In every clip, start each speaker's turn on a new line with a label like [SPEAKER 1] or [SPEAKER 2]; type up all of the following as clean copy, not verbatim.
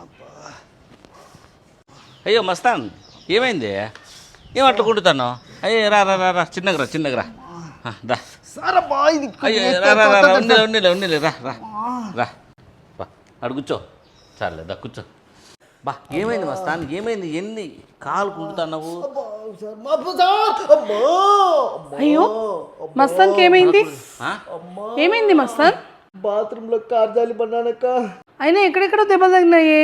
[SPEAKER 1] అయ్యో మస్తాన్, ఏమైంది? ఏం అట్లా కుడుతాను? అయ్యో రా రా రా రా, చిన్నగరా రా. అయ్యో రా రా రా, ఉన్నిలే రా రా రా, అడు కూర్చో. చాలే దా కూర్చో. బా ఏమైంది మస్తాన్, ఏమైంది? ఎన్ని కాలు కుడుతున్నావు?
[SPEAKER 2] అయ్యో మస్తాన్కి ఏమైంది? ఏమైంది మస్తాన్?
[SPEAKER 3] బాత్రూంలో కార్జాలి పన్నానక్క.
[SPEAKER 2] అయినా ఎక్కడెక్కడో దెబ్బలు తగినాయే,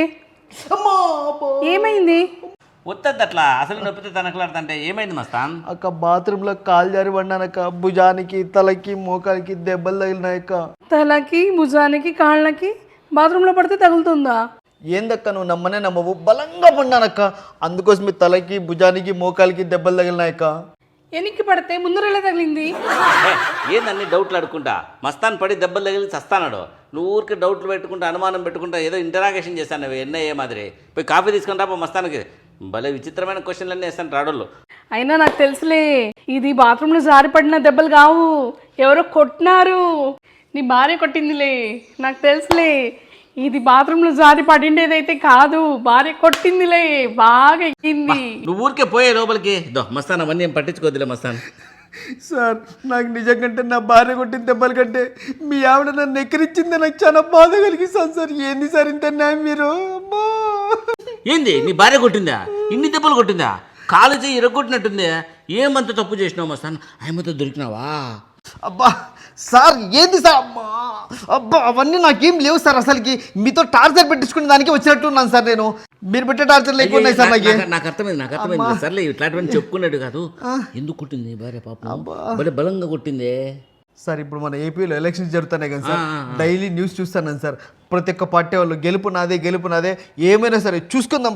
[SPEAKER 2] ఏమైంది?
[SPEAKER 1] వద్దద్దు అట్లా, అసలు నొప్పితే తనకలాడుతుంటే. ఏమైంది మస్తాన్?
[SPEAKER 3] అక్క బాత్రూంలో కాలు జారి పన్నానక్క. భుజానికి తలకి మోకాలికి దెబ్బలు తగిలినాయక్క.
[SPEAKER 2] తలకి భుజానికి కాళ్ళకి బాత్రూంలో పడితే తగులుతుందా?
[SPEAKER 3] ఏందక్క నువ్వు నమ్మనే నమ్మవు, బలంగా పన్నానక్క. అందుకోసమే తలకి భుజానికి మోకాలికి దెబ్బలు తగిలినాయక్క.
[SPEAKER 2] ఎనికి పడితే ముందరెలా తగిలింది?
[SPEAKER 1] ఏందన్ని డౌట్లు అడుకుంటా? మస్తాన్ పడి దెబ్బలు తగిలి చస్తానాడు. నువ్వు ఊరికి డౌట్లు పెట్టుకుంటా, అనుమానం పెట్టుకుంటా, ఏదో ఇంటరాగేషన్ చేస్తాను నువ్వు ఎన్ఐఏ మాదిరి. పోయి కాఫీ తీసుకుని రాపో మస్తానికి. భలే విచిత్రమైన క్వశ్చన్లన్నీ వేస్తాను రాడోళ్ళు.
[SPEAKER 2] అయినా నాకు తెలుసులే, ఇది బాత్రూంలో జారి పడిన దెబ్బలు కావు, ఎవరో కొట్టినారు. నీ భార్య కొట్టిందిలే, నాకు తెలుసులే. ఇది బాత్రూంలో జారి పడిండేదైతే కాదు, భార్య కొట్టిందిలే, బాగా ఎక్కింది.
[SPEAKER 1] నువ్వు ఊరికే పోయే లోపలికి మస్తాన్, అవన్నీ ఏం పట్టించుకోద్దులే మస్తాన్.
[SPEAKER 3] సార్ నాకు నిజంకంటే నా భార్య కొట్టిన దెబ్బల కంటే మీ ఆవిడ నన్ను ఎక్కరిచ్చింది నాకు చాలా బాధ కలిగిస్తాను సార్. ఏంది సార్ ఇంత న్యాయం మీరు? అమ్మా
[SPEAKER 1] ఏంది నీ భార్య కొట్టిందా? ఇన్ని దెబ్బలు కొట్టిందా? కాలు చేయి ఇరగొట్టినట్టుంది. ఏమంత తప్పు చేసినావు మస్తాన్? ఆయమతో దొరికినావా?
[SPEAKER 3] అబ్బా సార్ ఏంది సార్? అమ్మా అబ్బా అవన్నీ నాకేం లేవు సార్. అసలుకి మీతో టార్చర్ పెట్టించుకునే దానికి వచ్చినట్టున్నాను సార్. నేను మీరు పెట్టే టార్చర్ లేకున్నాయి సార్.
[SPEAKER 1] నాకు అర్థమైంది సర్లే, ఇట్లాంటివన్నీ చెప్పుకున్నాడు కాదు. ఎందుకు కొట్టింది భార్య పాపం? భలే బలంగా కొట్టిందే
[SPEAKER 3] సార్. ఇప్పుడు మన ఏపీలో ఎలక్షన్స్ జరుగుతున్నాయి కదా సార్, డైలీ న్యూస్ చూస్తాను సార్. ప్రతి ఒక్క పార్టీ వాళ్ళు గెలుపు నాదే, ఏమైనా సరే చూసుకుందాం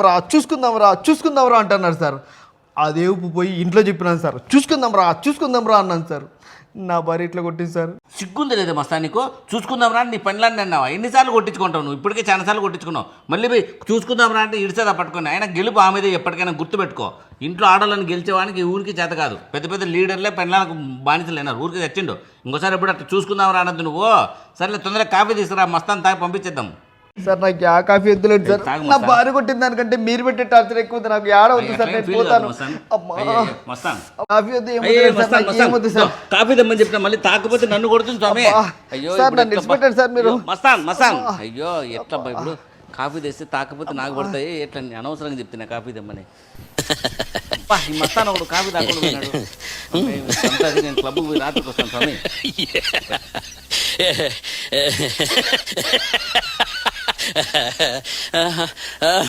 [SPEAKER 3] రా అంటున్నారు సార్. అదే ఉప్పు పోయి ఇంట్లో చెప్పినాను సార్, చూసుకుందాం రా అన్నాను సార్. నా భార్య ఇట్లా కొట్టింది సార్.
[SPEAKER 1] సిగ్గుంది లేదా మస్తా నీకు? చూసుకుందాం రా నీ పనులన్నీ అన్నావా? ఎన్నిసార్లు కొట్టించుకుంటావు నువ్వు? ఇప్పటికే చాలాసార్లు కొట్టించుకున్నావు. మళ్ళీ పోయి చూసుకుందాం రా అంటే ఇడిసేదా పట్టుకొని. ఆయన గెలుపు ఆమెదే, ఎప్పటికైనా గుర్తుపెట్టుకో. ఇంట్లో ఆడవాళ్ళని గెలిచేవానికి ఊరికి చేత కాదు. పెద్ద పెద్ద లీడర్లే పెళ్ళాలకు బానిసలేనారు. ఊరికి తెచ్చిండు. ఇంకోసారి ఎప్పుడు అట్లా చూసుకుందాం రా అనద్దు నువ్వు. సర్లే తొందరగా కాఫీ తీసుకురా, మస్తాన్ తాగి పంపించేద్దాం.
[SPEAKER 3] సార్ నాకు ఆ కాఫీ వద్దులేదు సార్. నా భార్య కొట్టిన దానికంటే మీరు పెట్టే టార్చర్ ఎక్కువ. నాకు ఏడ వద్దు సార్, నేను పోతాను. కాఫీ వద్దు, ఏమొద్దు సార్.
[SPEAKER 1] కాఫీ దమ్మని చెప్పిన మళ్ళీ తాకపోతే నన్ను కొడుతుంది స్వామి. అయ్యో
[SPEAKER 3] సార్ నన్ను నిలిచిపెట్టారు సార్ మీరు.
[SPEAKER 1] మస్తాన్ అయ్యో ఎట్లా ఇప్పుడు కాఫీ తెస్తే తాకపోతే నాకు పడతాయి. ఎట్లా అనవసరంగా చెప్తున్నా కాఫీ దమ్మని. ఈ మస్తాన్ ఒకడు కాఫీ తాకుండా నేను క్లబ్కి పోయి రాత్రికి వస్తాను స్వామి.